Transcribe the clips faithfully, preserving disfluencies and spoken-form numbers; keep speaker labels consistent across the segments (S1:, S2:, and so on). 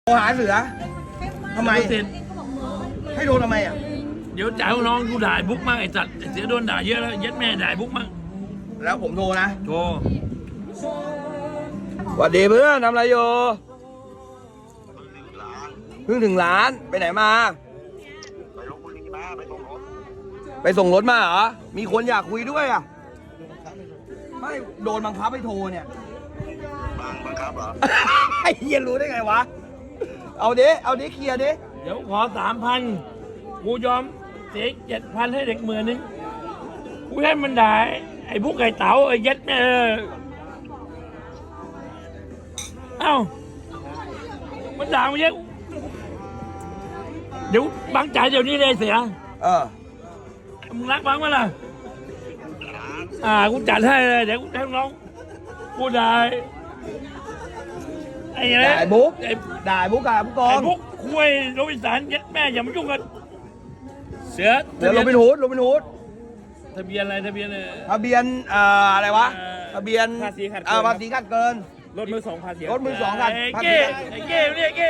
S1: โทรหาเสือทำไม
S2: เสร็จ
S1: ให้โดนทำไมอ่ะ
S2: เดี๋ยวจ่ายน้องกูด่าบุ๊กมั่งไอ้สัตว์เสียโดนด่าเยอะแล้วยัดแม่ด่าบุ๊กมั่ง
S1: แล้วผมโทรนะ
S2: โธ่
S1: สวัสดีเพื่อนทำอะไรอยู่เพิ่งถึงร้านไปไหนมา
S3: ไปลพบุรีมาไปส่งรถ
S1: ไปส่งรถมาเหรอมีคนอยากคุยด้วยอ่ะไม่โดนบังคับให้โทรเนี่ย
S3: บางบังคับเหรอ
S1: ไอ้เฮียรู้ได้ไงวะเอาดิเอาดิเคลียร์ดิ
S2: เดี๋ยวขอสามพันกูยอมเสียเจ็ดพันให้เด็กหมื่นนึงกูให้มันด่าไอ้บุ๊กไอ้เต๋าไอ้ยัดแม่เอ้ามันด่ามาเยอะเดี๋ยวบังจ่ายเดี๋ยวนี้เลยเสีย
S1: เออ
S2: มึงรักบังมั้ยล่ะอ่ากูจัดให้เลยเดี๋ยวกูให้น้องกูได้ไอ้อะไร
S1: ด่าไอ้บุ๊ก
S2: ไอ้
S1: ด่าไอ้บุ๊กกับผู้กอ
S2: ไอ้
S1: ง
S2: บุ๊กคุยโรบินสันยัดแม่อย่ามายุ่งกันเสือ
S1: เดี๋ยวโรบินฮูดโรบินฮูด
S2: ทะเบียนอะไรทะเบียนอะไร
S1: ทะเบียนเอ่ออะไรวะ
S2: เอ่อ
S1: ทะเบียน
S2: ภาษีขัดเกิน
S1: เอ่อภาษีขัดเกิน
S2: รถมือสองภาษี
S1: รถมือสองคัน
S2: ไอ้
S1: ภาษี
S2: เก้ไอ้เก้เรียกเก้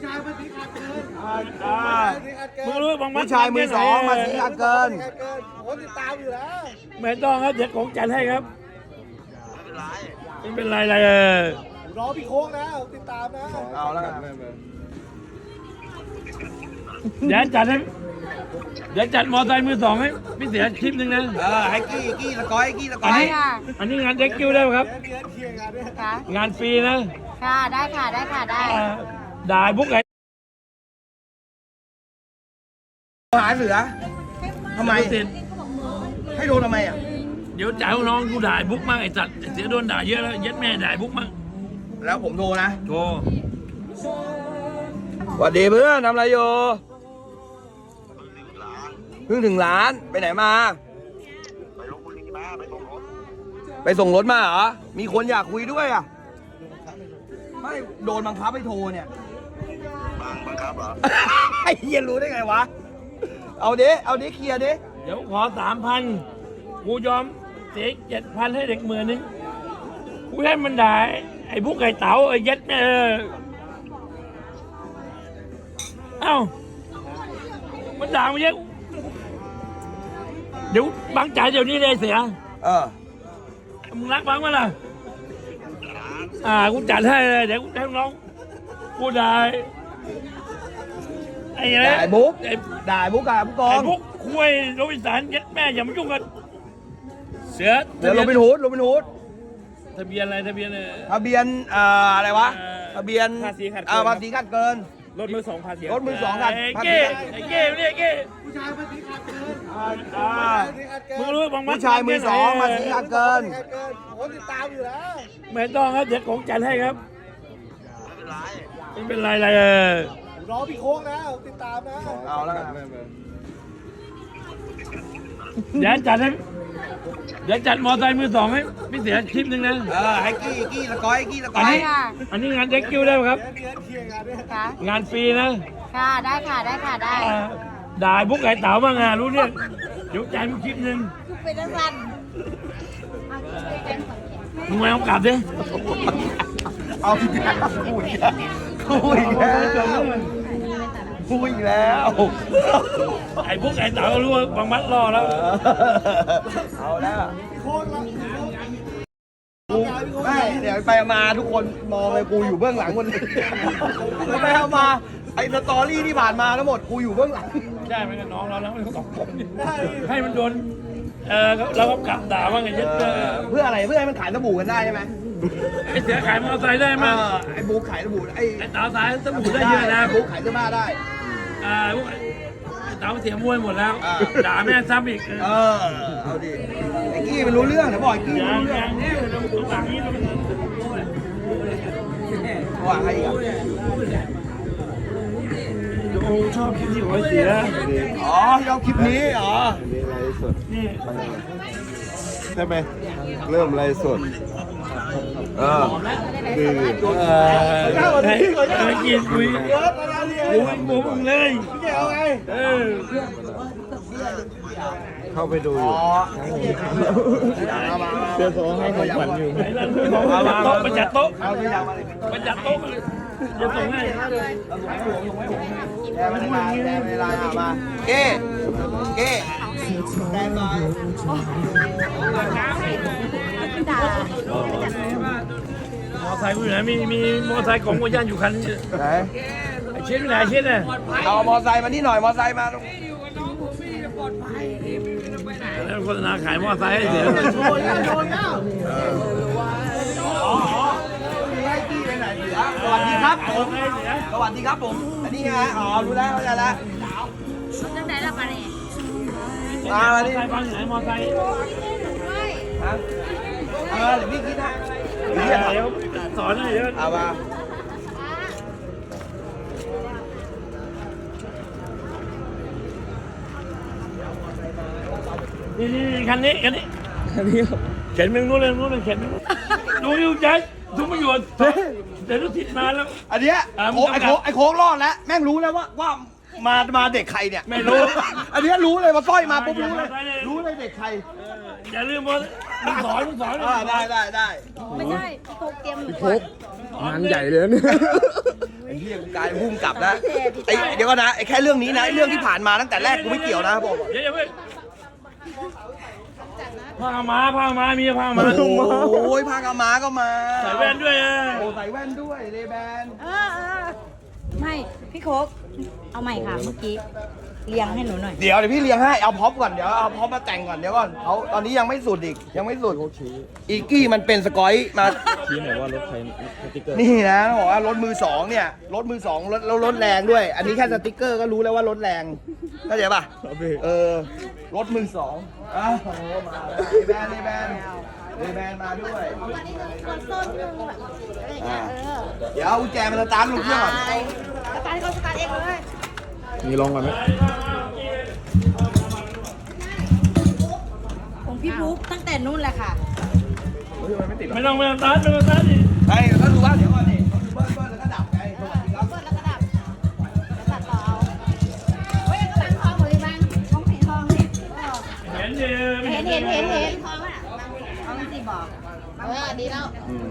S1: อ่า
S2: มึงรู้บางมัด
S1: ผู้ชายมือสองภาษีขัดเกิน
S2: ไม่ต้องครับเดี๋ยวของจัดให้ครับ
S3: ไม่เป็นไร
S2: ไม่เป็นไรเลยเออ
S4: รอพี่โค้งนะติดตามนะ
S1: เอาแล้วกัน
S2: เดี๋ยวจัดให้เดี๋ยวจัดมอไซค์มือสองให้พี่เสียคลิปหนึ่งนะ
S1: เออให้กี้กี้ละก้อยกี้ละก้
S2: อั
S1: อน ย
S2: นี้อันนี้งานเด็กคิวได้ไหมครับ
S4: เดี๋ยวเคลียร์กันด้วย
S5: ค่ะ
S2: งานฟรีนะ
S5: ค่ะ ได้ค่ะ ได้ค่ะ ได้
S2: อ่าด่าไอ้บุ๊กไอ้
S1: โทรหาเสือทำไม
S2: เสร็จ
S1: ให้โดนทำไมอ่ะ
S2: เดี๋ยวจ่ายน้องกูด่าไอ้บุ๊กมั่งไอ้สัตว์เสียโดนด่าเยอะแล้วยัดแม่ด่าไอ้บุ๊กมั่ง
S1: แล้วผมโทรนะ
S2: โธ่
S1: สวัสดีเพื่อนทำอะไรอยู่
S3: ร้าน
S1: เพิ่งถึงร้านไปไหนมา
S3: ไปลพบุรีมาไปส่งรถ
S1: ไปส่งรถมาเหรอมีคนอยากคุยด้วยอ่ะไม่โดนบังคับให้โทรเนี่ย
S3: บางบังคับเหรอ
S1: ไอ้เฮียรู้ได้ไงวะเอาดิเอาดิเคลียร์ดิ
S2: เดี๋ยวขอสามพันกูยอมเสียเจ็ดพันให้เด็กหมื่นนึงกูให้มันด่าไอ้บุ๊กไอ้เต๋าไอ้ยัดแม่เอ้ามันด่ามาเยอะเดี๋ยวบังจ่ายเดี๋ยวนี้เลยเสีย
S1: เออ
S2: มึงรักบังมั้ยล่ะอ่ากูจัดให้เลยเดี๋ยวกูให้น้องกูได้ไอ้อะไร
S1: ด่าไอ้บุ๊ก
S2: ไอ้
S1: ด่าไอ้บุ๊กกับผู้กอ
S2: ไอ้
S1: ง
S2: บุ๊กคุยโรบินสันยัดแม่อย่ามายุ่งกันเสือ
S1: เดี๋ยวโรบินฮูดโรบินฮูด
S2: ทะเบียนอะไรทะเบียนอะไร
S1: ทะเบียนเอ่ออะไรวะ
S2: เอ่อ
S1: ทะเบียน
S2: ภาษีขัดเกิน
S1: เอ่อภาษีขัดเกิน
S2: รถมือสองภาษี
S1: รถมือสองคัน
S2: ไอ้
S1: ภาษี
S2: เก้ไอ้เก้เรียกเก้
S4: ผู้ชายมาติดขัดเกิน
S1: อ่า
S4: ติดขัดเกิน
S2: มึงรู้บางมัด
S1: ผู้ชายมือสองภาษีขัดเกิน
S4: ติดขัดเกินผมติดตามอยู่แล้ว
S2: ไม่ต้องครับเดี๋ยวของจัดให้ครับ
S3: ไม่เป็นไร
S2: ไม่เป็นไรเลยเออ
S4: รอพี่โค้งนะติดตามนะ
S1: เอาแล้วกัน
S2: เดี๋ยวจัดให้เดี๋ยวจัดมอไซค์มือสองให้พี่เสียคลิปหนึ่งนะ
S1: เออให้กี้กี้ละก้อยกี้ละก้
S2: อั
S1: อน ย
S2: นี้
S5: ค่ะ
S2: อันนี้งานเด็กคิวได้ไหมครับ
S4: เดี๋ยวเคลียร์กันด้วย
S5: ค่ะ
S2: งานฟรีนะ
S5: ค่ะ ได้ค่ะ ได้ค่ะ ได้
S2: อ่าด่าไอ้บุ๊กไอ้เต๋าบ้างอ่ะรู้เนี่ยเดี๋ยวจ่ายมึงคลิปหนึ่ง
S5: เป็นนักรัน
S2: มึงมาเอากลับดิ
S1: เอาอีกแล้วคุยแล้วคุยแล้วคุยแล้ว
S2: ไอ้บุ๊กไอ้เต๋ารู้ว่าบางมัดรอแล้ว
S1: เอาแล้ว
S4: พี่โค้งนะพี่โค้ง
S1: กูไม่เดี๋ยวไปมาทุกคนมองเลยกูอยู่เบื้องหลังหมดเลยแล้วไปเอามาไอ้สตอรี่ที่ผ่านมาทั้งหมดกูอยู่เบื้องหลัง
S2: ได้ไหมกับน้องเราแล้วมันสองคนให้มันโดนเออเราก็กลับด่าว่าไงเย็ดเออ
S1: เพื่ออะไรเพื่อให้มันขายสบู่กันได้ใช่ไหม
S2: ไอ้เสือขายมอเตอร์ไซค์ได้
S1: เอ
S2: มั้ย
S1: อไอ้บุ๊กขายสบู่ไอ้
S2: ไอ้เต๋าสายสบู่ได้เยอะนะ
S1: บุ๊กขายเสื้อผ้าได้
S2: อ่าพวกไอ้เต๋าเสียมวยหมดแล้ว
S1: อ่า
S2: ด่าแม่ซ้ำอีก
S1: เออเอาดิไอ้กี้มันรู้เรื่องเดี๋ยวบอกไอ้กี้
S2: อ
S1: มัน
S2: ย่าง
S1: รู้
S2: อ
S1: เรื่อง
S2: ย่างนี้เราหลังนี้เรา
S1: ว่าใครอีกอ่ะ
S2: โอ้ชอบคลิปที่หัวเสีย
S1: อ๋อที่เอาคลิปนี้อ๋อ
S2: นี่
S6: ใช่ไหมเริ่มไลฟ์สด
S1: เออ
S6: คือ
S2: เออให้ให้กินคุยคุยมุมเลย
S4: พี่แกเอาไง
S2: เออ
S6: เข้าไปดูอยู่
S1: อ๋อ
S6: เสื้อโซให้ของขวัญอยู่
S2: ไอ้นั่นของประจัดโต๊ะประจัดโต๊ะ
S1: เอาตัวอย่างมาเลย
S2: ประจัดโต๊ะเลยจะส่งให้
S1: แดงเวลาแดงเวลาอ่ะมาเก้เก้แดงมา
S2: มอไซค์อยู่ไหนมีมีมอไซค์ของโมย่านอยู่คันนึง
S1: ไหน
S2: ไอ้เช็ดอยู่ไหนเช็ดน่ะ
S1: เอามอไซค์มานี่หน่อยมอไซค์มาตรง
S2: แล้วโฆษณาขายมอไซค์ให้เสีย
S1: ไอ้กี้ไปไหนเสือสวัสดีครับผมสวัสดีครับผมอันนี้ไงอ๋อรู้แล้วเข้าใจแล้ว
S5: จังไหนล่ะปะเนี่ย
S1: มามาดิ
S2: มอไซค์ฟังอยู่ไหนมอไซค์
S1: ฮะเออเดี๋ยวพี่คิดนะ
S2: เดี๋ยวสอนให้เดี๋ยว
S1: เอามา
S2: นี่นี่คันนี้คันนี้คันนี้เข็นไปนู้นเลยนู้นเลยเข็นไปดูอยู่ใจทุกประโยชน์เดี๋ยวรถติดมาแล้ว
S1: อันเนี้ย
S2: อ่า
S1: โค้งไอ้โค้งไอ้โค้งรอดแล้วแม่งรู้แล้วว่าว่ามามาเด็กใครเนี่ย
S2: ไม่รู้
S1: อันเนี้ยรู้เลยว่าสร้อยมาปุ๊บรู้เลย
S2: ได้เลย
S1: รู้เลยเด็กใคร
S2: อย่าลืมว่ามึงสอนมึงสอน
S1: อ่าได้ได้ได้
S5: ไม่ใช่พี่โคกเตรียม
S6: โคกงานใหญ่เลยเนี่ย
S1: ไอ้เหี้ยกูกลายเป็นผู้กำกับนะไอ้เดี๋ยวก่อนนะไอ้แค่เรื่องนี้นะไอ้เรื่องที่ผ่านมาตั้งแต่แรกกูไม่เกี่ยวนะบอกก่อน
S2: เดี๋ยวอย่าเพิ่งผ้ามาผ้ามามีผ้ามา
S1: โอ้ยพากามาก็มา
S2: ใส่แว่นด้วยอ่ะ
S1: โอ้ใส่แว่นด้วยเลแบน
S5: เออเออไม่พี่โคกเอาใหม่ค่ะเมื่อกี้เรียงให้หนูหน่อย
S1: เดี๋ยวเดี๋ยวพี่เลี้ยงให้เอาพ็อปก่อนเดี๋ยวเอาพ็อปมาแต่งก่อนเดี๋ยวก่อนเขาตอนนี้ยังไม่สุดอีกยังไม่สุดอีกี้มันเป็นสกอยมา
S6: ชี้หน่อยว่ารถใครสติ๊กเกอร์
S1: นี่นะบอกว่ารถมือสองเนี่ยรถมือสองรถแล้วรถแรงด้วย อันนี้แค่สติ๊กเกอร์ก็รู้แล้วว่ารถแรงเข้าใจป่ะเออรถมือสองอ้าวโอ้โหมาเลแบนเลแบนเลแบนมาด้วยอ่าเดี๋ยวเอากุญแจมาสตาร์ทลงเครื่องก่อน
S5: สตาร์ทเขาสตาร์ทเองเลย
S6: มีลองก่อนไหม
S5: ของพี่บุ๊กตั้งแต่นู่นแหละค่ะ
S2: ไม่ต้องไม่ต้องตัดไม่ต้องตัดดิ
S1: ไอ้ก็ดูว่าเดี๋ยวก่อนดิเขาดูเบิ้ลเบิ้ลแล้วก็ดับไงสวัสดีครับ
S5: เปิดแล้วก็ดับแล้วตัดต่อเอาเฮ้ยกำลังทองหมดเลยบ้างท้องเห็นทองเนี่ย
S2: เห็นดิ
S5: เห็นเห็นเห็นเห็นทองอ่ะทองสิบอกเออดีแล้ว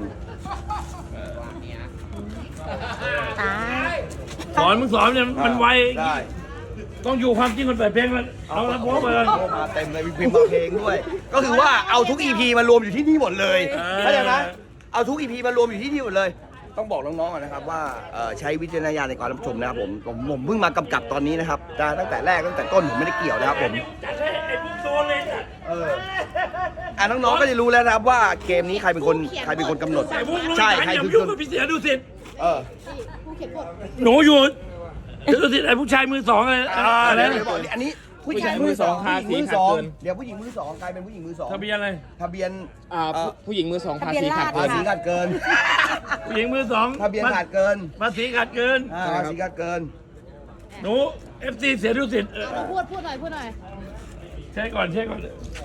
S5: ตาย
S2: สอนมึงสอนเนี่ยมันไว
S1: ได้
S2: ต้องอยู่ความจริงคนเปิดเพลงมันเอาละพวกไปเลย
S1: โอ้มาเต็มเลยมีพิมพ์มาเพลงด้วย ก็คือว่าเอาทุก อี พี มารวมอยู่ที่นี่หมดเลย
S2: เออ
S1: เข้าใจไหมเอาทุก อี พี มารวมอยู่ที่นี่หมดเลย ต้องบอกน้องๆก่อนนะครับว่าเอ่อใช้วิจารณญาณในการรับชมนะครับผมผมผมเพิ่งมากำกับตอนนี้นะครับแต่ตั้งแต่แรกตั้งแต่ต้นผมไม่ได้เกี่ยวนะครับผม
S2: จัดให้ไอ้พวกโดนเลยจัด
S1: เอออ่ะน้องๆก็จะรู้แล้วนะครับว่าเกมนี้ใครเป็นคนใครเป็นคนกำหนด
S2: ไอ้พวกรู้
S1: ใช่
S2: จัก
S1: ใคร
S2: อย่า
S1: คือ
S2: ยุ่
S1: ค
S2: ง
S1: น
S2: กับพี่เสียดูสิทธิ์
S1: เออ
S2: หนูอยู่ดูสิทธิ์ไอ้ผู้ชายมือสองอะไร
S1: อ่า
S2: อะไร
S1: เดี๋ยวเดี๋ยวบอกอันนี้ผู้หญิงมือสองผู้หญิงมือสองเดี๋ยวผู้หญิงมือสองกลายเป็นผู้หญิงมือสอง
S2: ทะเบียนอะไร
S1: ทะเบียน
S6: อ่าผู้ผู้หญิงมือสองภาษีขาด
S1: ภา
S6: เกิน
S1: ษีขาดเกิน
S2: ผู้หญิงมือสอง
S1: ทะเบียนขาดเกิน
S2: ภาษีขาดเกิน
S1: อ่าภาษีขาดเกิน
S2: หนูเอฟซีเสียดูสิทธิ์เออ
S5: พูดพูดหน่อยพูดหน่อย
S2: เช็คก่อนเช็คก่อน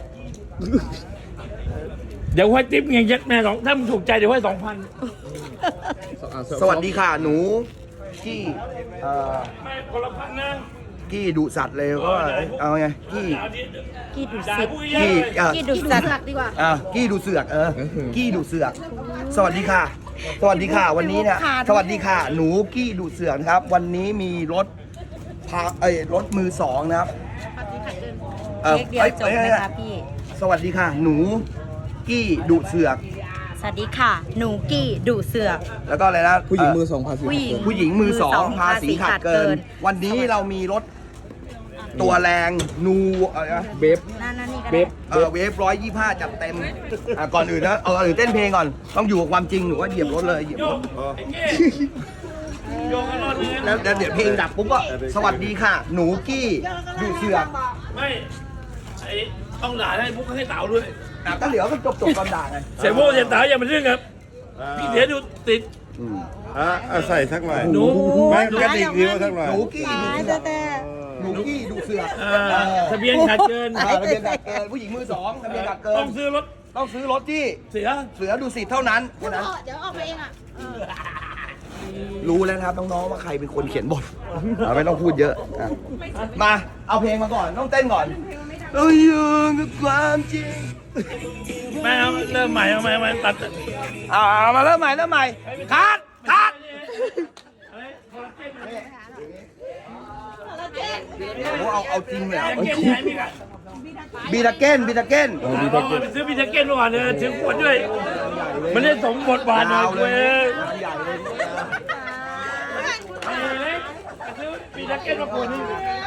S2: เดี๋ยวให้ติ๊บเงี้ยยัดแม่สองถ้ามึงถูกใจเดี๋ยวให้สองพัน
S1: สวัสดีค่ะหนูกี้เอ่อ
S2: ไม่คนละพันนะ
S1: กี้ดุสัตว์เลยก็เอาไงกี้
S5: กี่ดุ
S2: ด่า
S5: สิต
S2: ผู้
S1: กี้
S2: ใหญ่
S1: เอ่อ
S5: กี่ดุสัตว์ดีกว่า
S1: อ่ะกี้ดุเสือกเออกี้ดุเสือก สวัสดีค่ะ สวัสดีค่ะวันนี้เนี่ยสวัสดีค่ะ หนูกี้ดุเสือกนะครับ วันนี้มีรถพาเอ้ยรถมือสองนะครับ
S5: เค้กเดียวจบไหม
S1: อ้
S5: คะพี่
S1: สวัสดีค่ะ หนูกี้ดุเสือก
S5: สวัสดีค่ะ หนูกี้ดุเสือก
S1: แล้วก็อะไรนะ
S6: ผู้หญิงมือ
S1: เ
S6: สองภาษี
S5: ผู้หญิง
S1: ผู้หญิงมือสอง
S5: มือสอง
S1: ภาษีขาดเกิน
S5: ภาษีขาดเกิน
S1: วันนี้เรามีรถตัวแรงนูอะไรนะ
S6: เบฟ
S5: นั่นนั่นนี่ก็
S6: เบ
S5: ได้
S6: ฟ
S1: เออเวฟร้อยยี่ห้าจัดเต็มอ่ะก่อนอื่นนะเอาก่อนอื่นเต้นเพลงก่อนต้องอยู่กับความจริงหนูว่าเหยียบรถเลยเหยียบ
S2: โย
S1: ร
S2: ก
S1: ถ
S2: ไอ้เก้โยกกันรอดเลย
S1: แล้วแล้วเดี๋ยวเพลงดับปุ๊บก็สวัสดีค่ะ หนูกี้ดูเสือก
S2: ไม่ไอ้ต้องด่าให้พวกให้เต๋าด้วย
S1: อ่ะก็เหลือก็จบจบตอนด่าไง
S2: เสียโบ้เสียเต๋าอย่ามาเรื่องครับพี่เสียดูติด
S1: อืม
S6: อ่ะอ่ะใส่สักหน่อย
S2: หนู
S6: ไม่กระดิกนิ้วสักหน่อย
S1: หนูกี้ดูเสือกหนูกี้ดูเสือก
S2: เอ่อทะเบียนขาดเกิน
S1: อ่าทะเบียนขาดเกินผู้หญิงมือสองทะเบียนขาดเกิ
S2: ต้อน งซื้อรถ
S1: ต้องซื้อรถที่
S2: เสีย
S1: เสือดูสิทธิ์เท่านั้นแค่นั้น
S5: เดี๋ยวออกไปเองอ่ะ
S1: รู้แล้วนะครับน้องๆว่าใครเป็นคนเขียนบทอ่ะไม่ต้องพูดเยอะอ่ะมาเอาเพลงมาก่อนต้องเต้นก่อนเราอยู่กับความจริง
S2: ไม่เอาเริ่มใหม่เอาใหม่เอาใหม่ตัด
S1: อ่ามาเริ่มใหม่เริ่มใหม่คัดคัด
S2: อะไรคอลลาเจนไหม
S1: โอ้เอาเอาจริงเลย
S2: คอลลาเจนไหนมีกัน
S1: บีตาเกนบีตาเกน
S2: อ๋อไปซื้อบิทาเก้นมาก่อนเลยถึงขวดด้วย มันได้สมบทบาทหน่อยเว้ย
S1: ใหญ่เลย
S2: ไอ้เล็กซื้อบิทาเก้นมาขวดนึง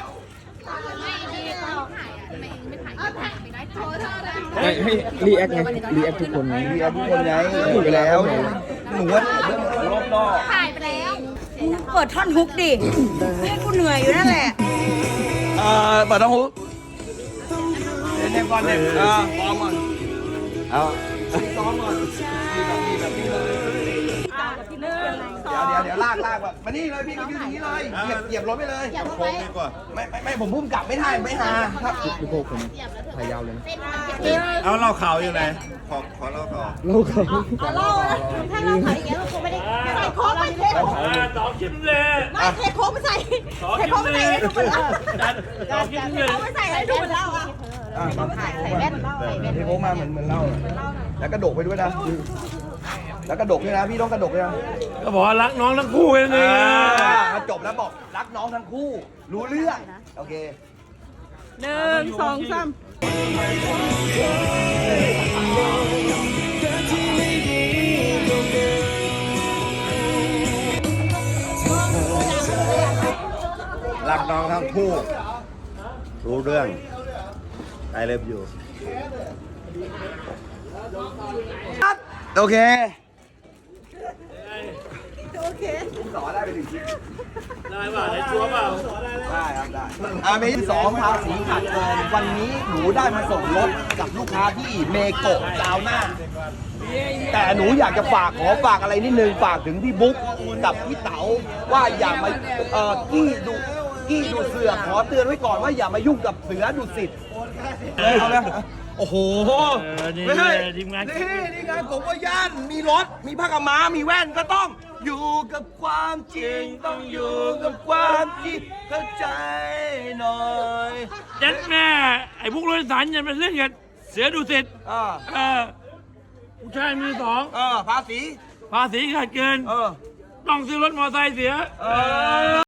S7: ให้ให้รีแอคไงรีแอคทุกคนไง
S1: เบียร์ทุกคนไงถูกแล้วหนูว่ารอบนอก
S5: ถ่ายไปแล้ว
S8: เปิดท่อนฮุกดิเล่นกูเหนื่อยอยู่นั่นแหละ
S1: เอ่อเปิดต้องหูเล่นก่อนเล่นอ่าซ้อมก่อน
S6: เอา
S1: ซ้อมก่อนมีแบบมีแบบนี้เลยเดี๋ยวเดี๋ยวเดี๋ยวลากลากแบบมานี่เลยพี่ก็ยืนอย่างนี้เลยเหยียบเหยียบรถไปเลย
S5: อย่าเข้า
S6: โค้
S5: ไป
S6: งดีกว่า
S1: ไม่ไม่ไม่ผมพุ่มกลับไม่ได้ไม่หาครับ
S7: พี่โคกผมถ่ายยาวเลยนะ
S6: เอาเหล่าขาวอยู่ไหน ขอขอเหล่าขาว
S7: โลกเขา
S5: เอาเล่านะถ้าเราถ่ายอย่างเงี้ยเราคงไม่ได้ใส่โค้กไปเท
S2: อ่าสองชิ้นเลย
S5: ไม่เทโค้กไปใส่
S2: สอง
S5: เท
S2: ชิ้
S5: โค้
S2: น
S5: กไป
S2: เล
S5: ใส่
S2: ย
S5: ให้ดูเหมือนเล่า
S2: จัดสองชิ้นเลย
S5: โค้กไปใส่ให้ดูเหมือนเล่าอ่ะ
S1: อ่า
S5: ใส่ใส่แว่นใส่แว่น
S1: พี่โค้งมาเหมือนเหมือนเล่าแล้วกระดกไปด้วยนะแล้วกระดกด้วยนะพี่ต้องกระดกด้วยนะ
S2: ก็บอกว่ารักน้องทั้งคู่กันเลย
S1: มาจบแล้วบอกรักน้องทั้งคู่ รู้เรื่องโอเค
S8: หนึ่งสองสาม
S6: รักน้องทั้งคู่ รู้เรื่อง I love you
S1: โอเค
S5: โอเค
S1: สอนได้ไปถึงคลิป
S2: ได้ป่ะได้ชัวร์เปล่า
S1: ได้ครับได้อาเมที่สองภาษีขาดเกินวันนี้หนูได้มาส่งรถกับลูกค้าที่เมโกะซาวน่าแต่หนูอยากจะฝากขอฝากอะไรนิดนึงฝากถึงพี่บุ๊กกับพี่เต๋าว่าอย่ามาเอ่อกี้ดูกี้ดูเสือขอเตือนไว้ก่อนว่าอย่ามายุ่งกับเสือดุสิตเลยเอาแล้วโอ้โห
S2: เออนี่
S1: ไม่ใช่
S2: ทีมงาน
S1: นี่นี่ไงผมว่าย่านมีรถมีผ้ากำม้ามีแว่นก็ต้อง อยู่กับความจริงต้องอยู่กับความจริงเข้าใจหน่อย
S2: ยัดแม่ ไอ้พวกรถโดยสารอย่ามาเล่นกันเสือดุสิต
S1: อ่า
S2: เออผู้ชายมือสอง
S1: เออภาษี
S2: ภาษีขาดเกิน
S1: เออ
S2: ต้องซื้อรถมอเตอร์ไซค์เสีย
S1: เออ